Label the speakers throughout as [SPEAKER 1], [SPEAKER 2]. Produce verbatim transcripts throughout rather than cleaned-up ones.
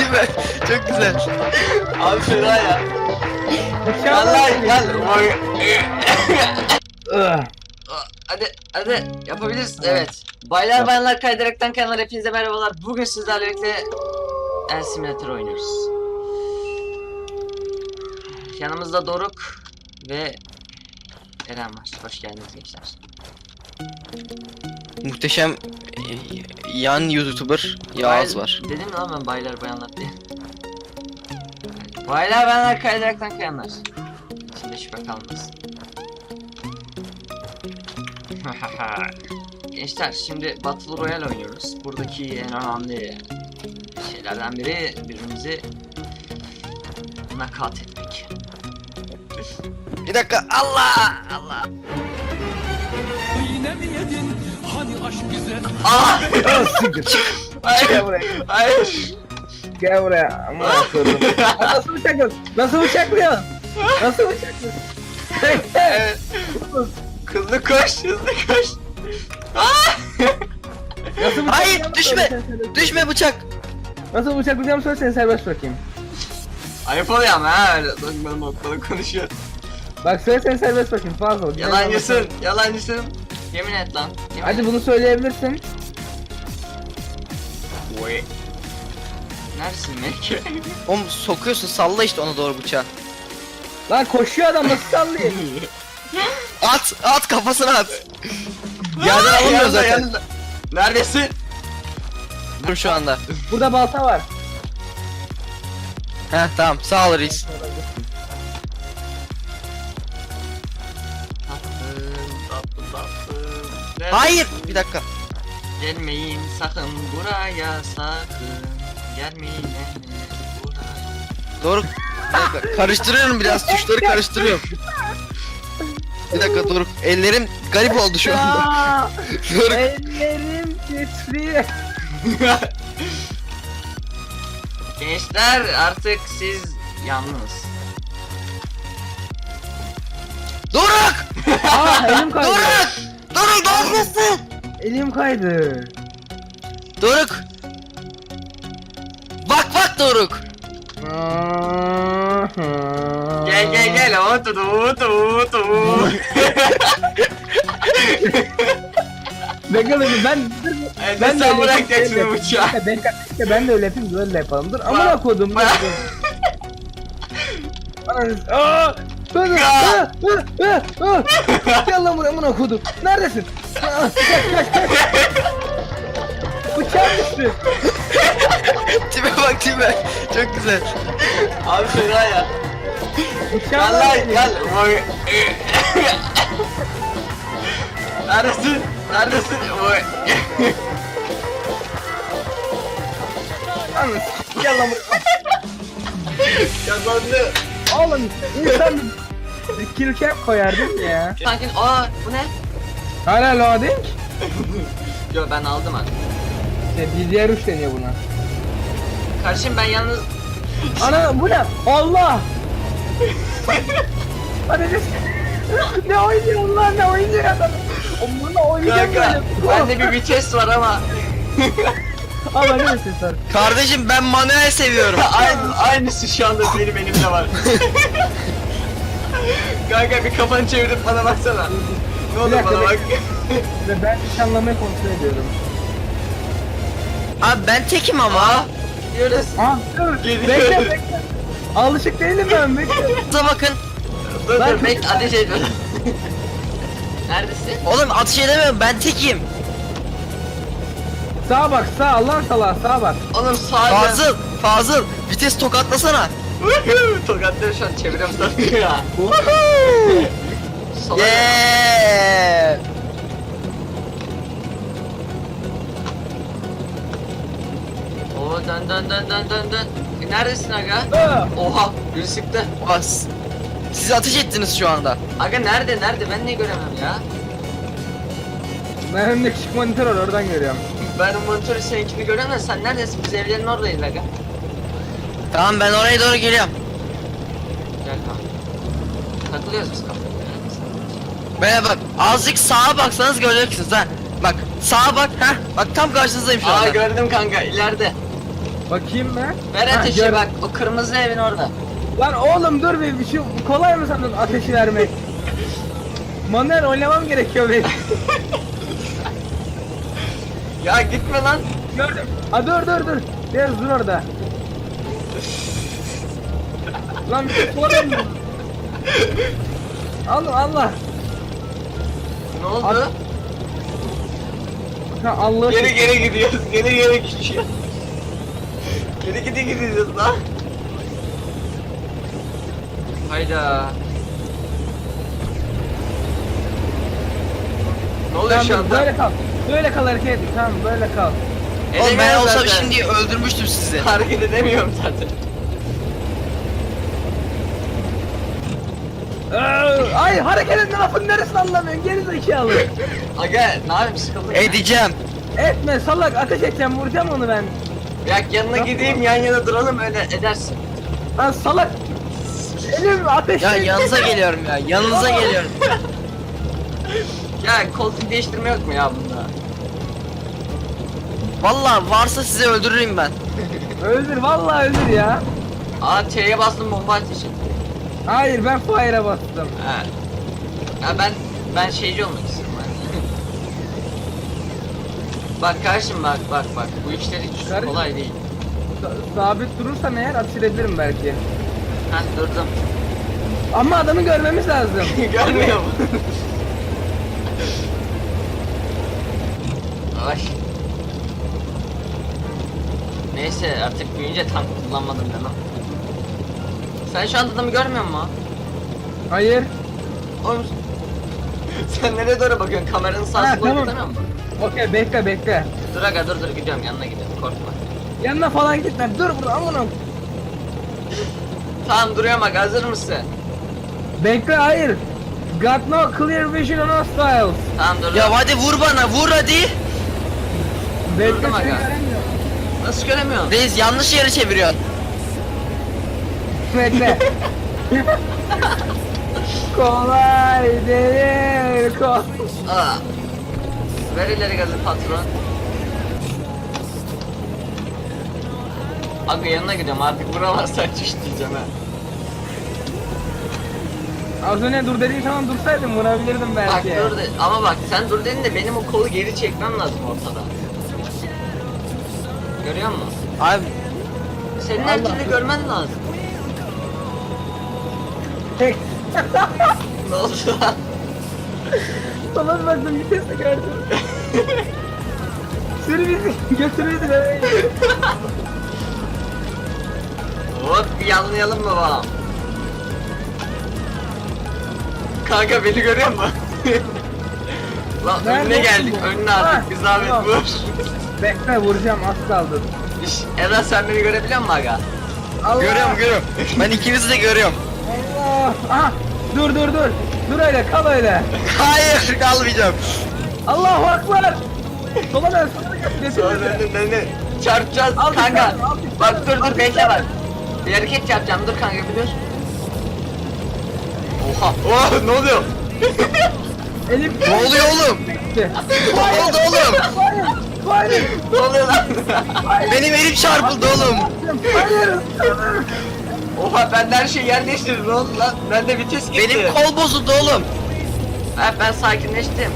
[SPEAKER 1] değil mi? Çok güzel.
[SPEAKER 2] Abi fena ya. Gel lan gel. Hadi hadi yapabilirsin. Evet. Baylar bayanlar kaydıraktan kanalına hepinize merhabalar. Bugün sizlerle birlikte El Simulator oynuyoruz. Yanımızda Doruk ve Eren var. Hoş geldiniz gençler.
[SPEAKER 1] Muhteşem e, yan YouTuber Yağız
[SPEAKER 2] Bay-
[SPEAKER 1] var.
[SPEAKER 2] Dedim mi lan ben baylar bayanlar diye. Baylar bayanlar kaydıraktan kayanlar. İçinde şüphe kalmasın. Gençler şimdi Battle Royale oynuyoruz. Buradaki en önemli şeylerden biri birbirimizi nakat etmek.
[SPEAKER 1] Bir dakika. Allah! Allah!
[SPEAKER 3] Yine mi yedin? Hani aşk güzel?
[SPEAKER 2] Aa!
[SPEAKER 4] Gel
[SPEAKER 2] Hayır!
[SPEAKER 4] buraya.
[SPEAKER 2] Hayır!
[SPEAKER 4] Gel buraya. Ama koydum. Nasıl bıçaklıyorsun? Nasıl bıçaklıyorsun? Nasıl bıçaklıyorsun?
[SPEAKER 2] Evet. Hızlı koş, hızlı koş. Aa!
[SPEAKER 4] Nasıl
[SPEAKER 1] Hayır,
[SPEAKER 4] bıçaklayacağımı
[SPEAKER 1] düşme.
[SPEAKER 4] söyle, sen serbest-
[SPEAKER 1] Düşme bıçak.
[SPEAKER 4] Nasıl bıçaklayacağımı söyle, seni serbest bırakayım.
[SPEAKER 2] Ayıp oluyor ama ha öyle bana bana konuşuyor.
[SPEAKER 4] Bak söyle, seni serbest bırakayım. Fazla ol.
[SPEAKER 2] Yalancısın, yalancısın. Yemin et lan. Yemin
[SPEAKER 4] Hadi
[SPEAKER 2] et.
[SPEAKER 4] bunu söyleyebilirsin.
[SPEAKER 2] Oy. Neresin Melike?
[SPEAKER 1] Oğlum sokuyorsun, salla işte ona doğru bıçağı.
[SPEAKER 4] Lan koşuyor adam, nasıl sallayayım?
[SPEAKER 1] At, at kafasına at. Yerden alamıyor
[SPEAKER 2] Yanında,
[SPEAKER 1] zaten.
[SPEAKER 2] yanında. Neredesin?
[SPEAKER 1] Dur şu anda.
[SPEAKER 4] Burada balta var.
[SPEAKER 1] Heh tamam, sağ ol reis.
[SPEAKER 2] Tatlım, tatlım, tatlım. Nerede?
[SPEAKER 1] Hayır, bir dakika.
[SPEAKER 2] Gelmeyin sakın buraya sakın. Gelmeyin anne buraya.
[SPEAKER 1] Doğru. Bir dakika. Karıştırıyorum biraz, tuşları karıştırıyorum. Bir dakika Doruk, ellerim garip oldu şu anda.
[SPEAKER 4] Aa,
[SPEAKER 1] Doruk,
[SPEAKER 4] ellerim titriyor.
[SPEAKER 2] Gençler artık siz yalnız.
[SPEAKER 1] Doruk!
[SPEAKER 4] Aa, elim kaydı.
[SPEAKER 1] Doruk! Doruk ne yapıyorsun?
[SPEAKER 4] Elim kaydı.
[SPEAKER 1] Doruk! Bak bak Doruk!
[SPEAKER 2] Gel gel gel otu otu otu.
[SPEAKER 4] Bekle bekle, ben
[SPEAKER 2] Ben
[SPEAKER 4] Ben de
[SPEAKER 2] sen
[SPEAKER 4] öyle
[SPEAKER 2] bırakacaksın
[SPEAKER 4] yapayım.
[SPEAKER 2] bıçağı.
[SPEAKER 4] ben, işte ben de öyle yapayım, böyle yapalım. Dur amına kodum.
[SPEAKER 2] Bak.
[SPEAKER 4] Ananı- Aa! Dur dur.
[SPEAKER 2] Ya.
[SPEAKER 4] Aa, aa, aa, aa. Gel lan buraya amına kodum. Neredesin? Aa, kaç kaç kaç. Bıçağım düştü.
[SPEAKER 1] Tipe bak tipe. Çok güzel.
[SPEAKER 2] Abi fena ya.
[SPEAKER 4] Bıçağım
[SPEAKER 2] Gel lan
[SPEAKER 4] düştü.
[SPEAKER 2] gel. Oy. Neredesin? Neredesin? Oy.
[SPEAKER 4] Ananı s- Gel lan buraya.
[SPEAKER 2] Kazandı.
[SPEAKER 4] Oğlum insan bir kill cap koyardın ya.
[SPEAKER 2] Sanki aa bu ne?
[SPEAKER 4] Hala loading.
[SPEAKER 2] Yo ben aldım abi.
[SPEAKER 4] İşte D D R üç deniyor buna.
[SPEAKER 2] Kardeşim ben yalnız
[SPEAKER 4] Ana bu ne? Allah! Hadi ne? Ne oynuyor lan, ne oynuyor adam? Bunu oynayacak
[SPEAKER 2] kanka
[SPEAKER 4] böyle.
[SPEAKER 2] bende bir vites var ama
[SPEAKER 4] Ama ne misin sen?
[SPEAKER 1] Kardeşim ben manuel seviyorum.
[SPEAKER 2] aynı aynısı şu anda benim elimde var. Kanka bir kafanı çevirip bana baksana. Ne olur
[SPEAKER 4] dakika,
[SPEAKER 2] bana bak.
[SPEAKER 4] Ve ben nişanlamayı kontrol ediyorum.
[SPEAKER 1] Abi ben tekim ama.
[SPEAKER 2] Aa, gidiyoruz.
[SPEAKER 4] Ha dur.
[SPEAKER 2] Geliyor.
[SPEAKER 4] Bekle bekle. Alışık değilim ben, bekle.
[SPEAKER 1] Size bakın.
[SPEAKER 2] Dur
[SPEAKER 4] Ben-
[SPEAKER 2] dur bekle ateş etme. Neredesin?
[SPEAKER 1] Oğlum atış edemiyorum, ben tekim.
[SPEAKER 4] Sağa bak, sağ, Allah'ın salağı, sağa bak.
[SPEAKER 2] Oğlum sağda.
[SPEAKER 1] Fazıl, Fazıl. Vites tokatlasana.
[SPEAKER 2] Tokatları şu an çevirem sanıyor ya. Sola ya.
[SPEAKER 1] Yeah.
[SPEAKER 2] Oo dön dön dön dön dön dön. E, neredesin aga?
[SPEAKER 4] Aa,
[SPEAKER 2] Oha biri sıktı.
[SPEAKER 1] Bas. Siz ateş ettiniz şu anda.
[SPEAKER 2] Aga nerede nerede ben niye göremem ya?
[SPEAKER 4] ben önümde küçük monitör var, oradan görüyorum.
[SPEAKER 2] Ben o monitörü seninkini göremem sen neredesin? Biz evlerin oradayız aga.
[SPEAKER 1] Tamam ben oraya doğru geliyorum.
[SPEAKER 2] Gel kanka. Takılıyoruz biz kafada.
[SPEAKER 1] Bana bak, azıcık sağa baksanız göreceksiniz ha. Bak sağa bak, ha. Bak tam karşınızdayım şu
[SPEAKER 2] Aa
[SPEAKER 1] anda.
[SPEAKER 2] gördüm kanka ileride.
[SPEAKER 4] Bakayım ben.
[SPEAKER 2] Ver
[SPEAKER 4] Ha,
[SPEAKER 2] ateşi
[SPEAKER 4] gör-
[SPEAKER 2] bak, o kırmızı evin orada.
[SPEAKER 4] Lan oğlum dur bir, bir şey kolay mı sandın ateşi vermek? Manuel oynamam gerekiyor benim.
[SPEAKER 2] Ya gitme lan.
[SPEAKER 4] Gördüm. Ha dur dur dur. Biraz dur orada. Lan bir şey kolay mı? Allah Allah.
[SPEAKER 2] Ne oldu?
[SPEAKER 4] At- Ha Allah.
[SPEAKER 2] Geri geri gidiyoruz, geri geri gidiyoruz. Geri gidi gidiyoruz lan. Hayda. Ne oluyor
[SPEAKER 4] Tamam,
[SPEAKER 2] şu
[SPEAKER 4] dur,
[SPEAKER 2] anda?
[SPEAKER 4] böyle kal. Böyle kal hareket et. Tamam böyle kal.
[SPEAKER 1] Oğlum ben
[SPEAKER 2] Edemiyorum
[SPEAKER 1] olsam
[SPEAKER 2] zaten.
[SPEAKER 1] şimdi öldürmüştüm sizi.
[SPEAKER 2] Hareket edemiyorum zaten.
[SPEAKER 4] Ee, Ay hareket etme lafın neresini anlamıyorsun geri zekalı.
[SPEAKER 2] Aga ne yapayım, sıkıldım ya.
[SPEAKER 1] Edeceğim.
[SPEAKER 4] Etme salak ateş edeceğim vuracağım onu ben.
[SPEAKER 2] Ya yanına gideyim, yan yana duralım, öyle edersin.
[SPEAKER 4] Lan salak. Elim ateş.
[SPEAKER 1] Ya yanınıza geliyorum ya. Yanınıza geliyorum.
[SPEAKER 2] Ya koltuk değiştirme yok mu ya bunda?
[SPEAKER 1] Vallahi varsa sizi öldürürüm ben.
[SPEAKER 4] Öldür vallahi öldür ya.
[SPEAKER 2] Aa T'ye bastım, bomba ateşi.
[SPEAKER 4] Hayır ben fire'a bastım.
[SPEAKER 2] Ha. Ya ben ben şeyci olmak istiyorum ben. Bak karşım, bak bak bak, bu işler hiç
[SPEAKER 4] Kardeşim.
[SPEAKER 2] kolay değil.
[SPEAKER 4] Sa- sabit durursam eğer ateş edebilirim belki.
[SPEAKER 2] Heh durdum.
[SPEAKER 4] Ama adamı görmemiz lazım.
[SPEAKER 2] Görmüyor mu? Ay. Neyse artık büyüyünce tank kullanmadım demem. Sen şu anda adamı görmüyor musun?
[SPEAKER 4] Hayır.
[SPEAKER 2] Oğlum sen nereye doğru bakıyorsun? Kameranın sağ
[SPEAKER 4] Ha,
[SPEAKER 2] sola
[SPEAKER 4] tamam.
[SPEAKER 2] gitsene mi?
[SPEAKER 4] Okey bekle bekle.
[SPEAKER 2] Dur aga, dur dur, gidiyorum yanına, gidiyorum, korkma.
[SPEAKER 4] Yanına falan gitme. Dur burada aman.
[SPEAKER 2] Tamam duruyorum aga, hazır mısın?
[SPEAKER 4] Bekle hayır. Got no clear vision on hostiles.
[SPEAKER 2] Tamam dur.
[SPEAKER 1] Ya hadi vur bana, vur hadi.
[SPEAKER 4] Bekle
[SPEAKER 2] Durdum
[SPEAKER 4] seni
[SPEAKER 2] aga.
[SPEAKER 4] göremiyorum.
[SPEAKER 2] Nasıl göremiyorsun?
[SPEAKER 1] Reis yanlış yere çeviriyor.
[SPEAKER 4] Bekle. Kolay değil. Kol.
[SPEAKER 2] Aa. Ver ileri gazı patron. Aga yanına gidiyorum, artık vuramazsan çüştüreceğim ha.
[SPEAKER 4] Az önce dur dediğin zaman dursaydım vurabilirdim
[SPEAKER 2] Bak
[SPEAKER 4] belki.
[SPEAKER 2] dur de, ama bak sen dur dedin de benim o kolu geri çekmem lazım ortada. Görüyor musun?
[SPEAKER 1] Abi
[SPEAKER 2] Senin her
[SPEAKER 4] Allah.
[SPEAKER 2] türlü görmen lazım.
[SPEAKER 4] Tek.
[SPEAKER 2] Ne oldu lan?
[SPEAKER 4] Sana bir baktım vitesi gördüm. Sür bizi götür bizi eve.
[SPEAKER 2] Hop bir yanlayalım mı babam? Kanka beni görüyor musun? Lan
[SPEAKER 4] Nerede
[SPEAKER 2] önüne geldik,
[SPEAKER 4] bu?
[SPEAKER 2] önüne
[SPEAKER 4] Ha,
[SPEAKER 2] artık, bir zahmet
[SPEAKER 4] tamam.
[SPEAKER 2] vur.
[SPEAKER 4] Bekle vuracağım az kaldı.
[SPEAKER 2] İş, Eren sen beni görebiliyor musun aga?
[SPEAKER 4] Allah.
[SPEAKER 1] görüyorum görüyorum. Ben ikinizi de görüyorum.
[SPEAKER 4] Allah. Aha. Dur dur dur. Dur öyle kal öyle.
[SPEAKER 1] Hayır kalmayacağım.
[SPEAKER 4] Allahu akbar. Sola dön sola dön. Götür
[SPEAKER 2] Sonra
[SPEAKER 4] bizi.
[SPEAKER 2] önüne ne? Çarpacağız
[SPEAKER 4] Al bir
[SPEAKER 2] kanka.
[SPEAKER 4] tane, al bir
[SPEAKER 2] Bak
[SPEAKER 4] tane,
[SPEAKER 2] dur
[SPEAKER 4] al
[SPEAKER 2] dur
[SPEAKER 4] bir
[SPEAKER 2] bekle
[SPEAKER 4] tane.
[SPEAKER 2] bak. Bir hareket yapacağım, dur kanka bir dur. Oha. Oh ne oluyor?
[SPEAKER 4] Elim.
[SPEAKER 1] Ne oluyor oğlum? Ne oldu oğlum?
[SPEAKER 4] Hayır. Hayır.
[SPEAKER 2] Ne oluyor lan?
[SPEAKER 1] Benim elim çarpıldı oğlum.
[SPEAKER 4] Hayır.
[SPEAKER 2] Oha ben de her şeyi yer değiştirdim, ne oldu lan? Ben de vites gitti.
[SPEAKER 1] Benim kol bozuldu oğlum.
[SPEAKER 2] Ha, ben sakinleştim.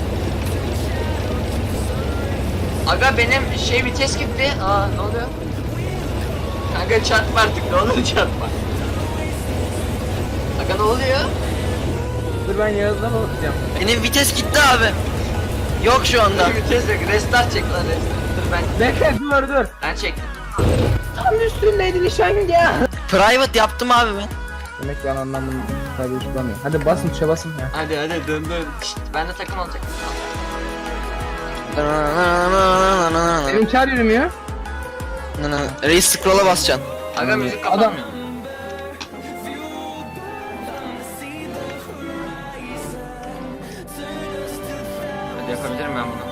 [SPEAKER 2] Aga benim şey vites gitti. Aa ne oluyor? Kanka çarpma artık, ne olur çarpma. Aga ne oluyor?
[SPEAKER 4] Dur ben Yağız'dan bakacağım.
[SPEAKER 1] Benim vites gitti abi. Yok şu anda.
[SPEAKER 2] Vites yok, restart çek lan, restart. Dur ben,
[SPEAKER 4] Bekle dur dur.
[SPEAKER 2] ben çektim.
[SPEAKER 4] Tam üstündeydi nişan ya.
[SPEAKER 1] Private yaptım abi ben.
[SPEAKER 4] Demek ki ben anlamını tabii tutamıyorum. Hadi basın tuşa basın ya.
[SPEAKER 2] Hadi hadi dön dön. Şşt, ben de takım olacak.
[SPEAKER 4] Benim çağır yürümüyor.
[SPEAKER 1] Reis scroll'a basacaksın.
[SPEAKER 2] Aga müzik
[SPEAKER 4] Adam-
[SPEAKER 2] kapanmıyor. Hadi yapabilirim ben bunu.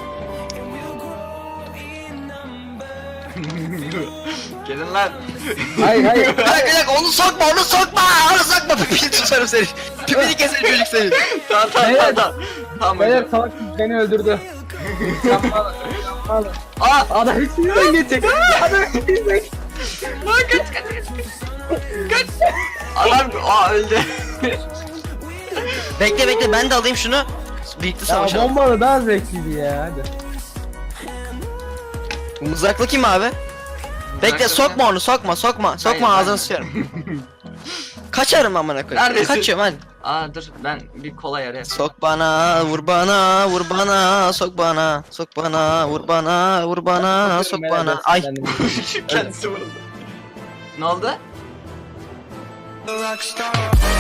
[SPEAKER 2] Gelin lan.
[SPEAKER 4] Hayır hayır.
[SPEAKER 1] Bir dakika bir dakika onu sokma onu sokma onu sokma pipini tutarım seni. Pipini keserim çocuk seni.
[SPEAKER 2] Tamam tamam
[SPEAKER 4] Beyler-
[SPEAKER 2] tamam. Tamam
[SPEAKER 4] Beyler
[SPEAKER 2] hocam.
[SPEAKER 4] salak beni öldürdü. Yapma. Adam,
[SPEAKER 2] Aa!
[SPEAKER 4] adam içinden geçecek. Adam içinden.
[SPEAKER 2] Lan kaç kaç kaç kaç. Adam aa öldü.
[SPEAKER 1] Bekle bekle ben de alayım şunu. Birlikte
[SPEAKER 4] Ya
[SPEAKER 1] savaşalım.
[SPEAKER 4] bombalı daha zevkliydi ya hadi.
[SPEAKER 1] Mızraklı kim abi? Bekle
[SPEAKER 2] Mızraklı
[SPEAKER 1] sokma onu sokma sokma sokma
[SPEAKER 2] Hayır,
[SPEAKER 1] ağzını
[SPEAKER 2] ben-
[SPEAKER 1] sıçarım. Kaçarım amına koyayım.
[SPEAKER 2] Neredesin?
[SPEAKER 1] Kaçıyorum hadi.
[SPEAKER 2] Aa dur ben bir kola yarı yapayım.
[SPEAKER 1] Sok bana, vur bana, vur bana, sok bana, sok bana, vur bana, vur bana, sok bana. Ay.
[SPEAKER 2] Kendisi vuruldu. Ne oldu?
[SPEAKER 3] Rockstar